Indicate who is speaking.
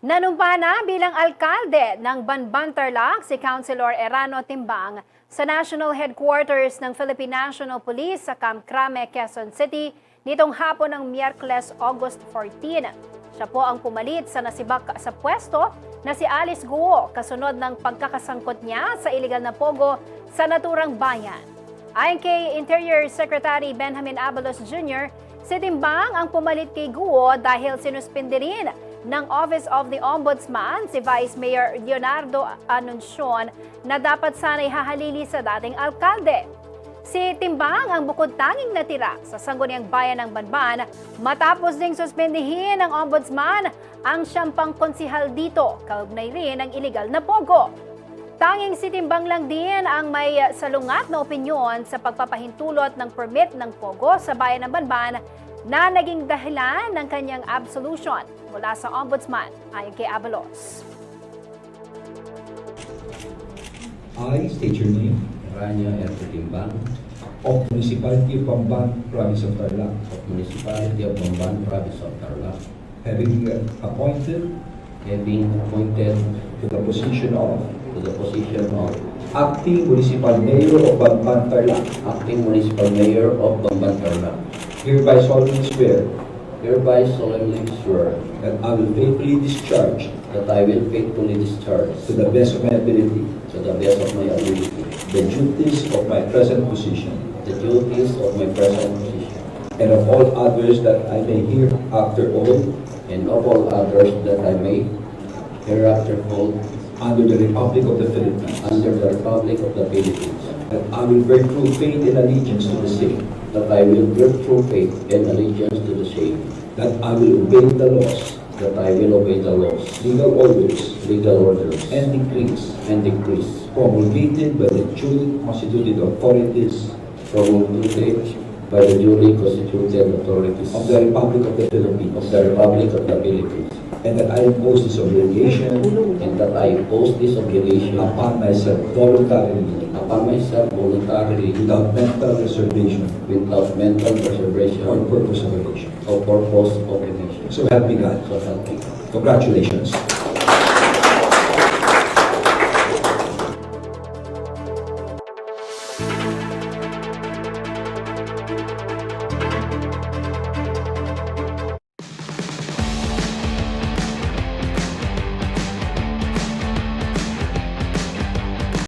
Speaker 1: Nanumpa na bilang alkalde ng Banban Tarlac si Councilor Erano Timbang sa National Headquarters ng Philippine National Police sa Camp Crame, Quezon City nitong hapon ng Miyerkules, August 14. Siya po ang pumalit sa nasibak sa pwesto na si Alice Guo kasunod ng pagkakasangkot niya sa iligal na pogo sa naturang bayan. Ayon kay Interior Secretary Benjamin Abalos Jr., si Timbang ang pumalit kay Guo dahil sinuspindi rin ng Office of the Ombudsman si Vice Mayor Leonardo Anuncion na dapat sana'y hahalili sa dating alkalde. Si Timbang ang bukod tanging natira sa sangguniang bayan ng Banban matapos ding suspendihin ng Ombudsman ang siyang pangkonsihal dito, kaugnay rin ng iligal na pogo. Tanging si Timbang lang din ang may salungat na opinyon sa pagpapahintulot ng permit ng pogo sa bayan ng Banban na naging dahilan ng kanyang absolution mula sa Ombudsman, ayon kay Abalos.
Speaker 2: I state your name.
Speaker 3: Rania R. Timbang,
Speaker 2: Of Municipality of Bamban, Province of Tarlac,
Speaker 3: of Municipality of Bamban, Province of Tarlac,
Speaker 2: having appointed
Speaker 3: having appointed
Speaker 2: to the position of
Speaker 3: to the position of
Speaker 2: Acting Municipal Mayor of Bamban, Tarlac,
Speaker 3: Acting Municipal Mayor of Bamban, Tarlac,
Speaker 2: hereby solemnly swear
Speaker 3: hereby solemnly swear
Speaker 2: that I will faithfully discharge
Speaker 3: that I will faithfully discharge
Speaker 2: to the best of my ability
Speaker 3: to the best of my ability
Speaker 2: the duties of my present position
Speaker 3: the duties of my present position
Speaker 2: and of all others that I may hereafter hold
Speaker 3: and of all others that I may hereafter hold
Speaker 2: under the Republic of the Philippines,
Speaker 3: under the Republic of the Philippines,
Speaker 2: that I will bear true faith and allegiance to the same,
Speaker 3: that I will bear true faith and allegiance to the same,
Speaker 2: that I will obey the laws,
Speaker 3: that I will obey the laws,
Speaker 2: legal orders,
Speaker 3: legal orders,
Speaker 2: and decrees
Speaker 3: and decrees
Speaker 2: promulgated by the duly constituted authorities
Speaker 3: promulgated by the duly constituted authorities
Speaker 2: of the Republic of the
Speaker 3: of
Speaker 2: Philippines,
Speaker 3: the Republic of the Philippines,
Speaker 2: and that I impose this obligation
Speaker 3: and that I impose this obligation
Speaker 2: upon myself voluntarily,
Speaker 3: upon myself voluntarily
Speaker 2: without mental reservation
Speaker 3: without mental
Speaker 2: or
Speaker 3: reservation
Speaker 2: purpose of evasion.
Speaker 3: or purpose of evasion.
Speaker 2: So help me God.
Speaker 3: So help me God.
Speaker 2: Congratulations.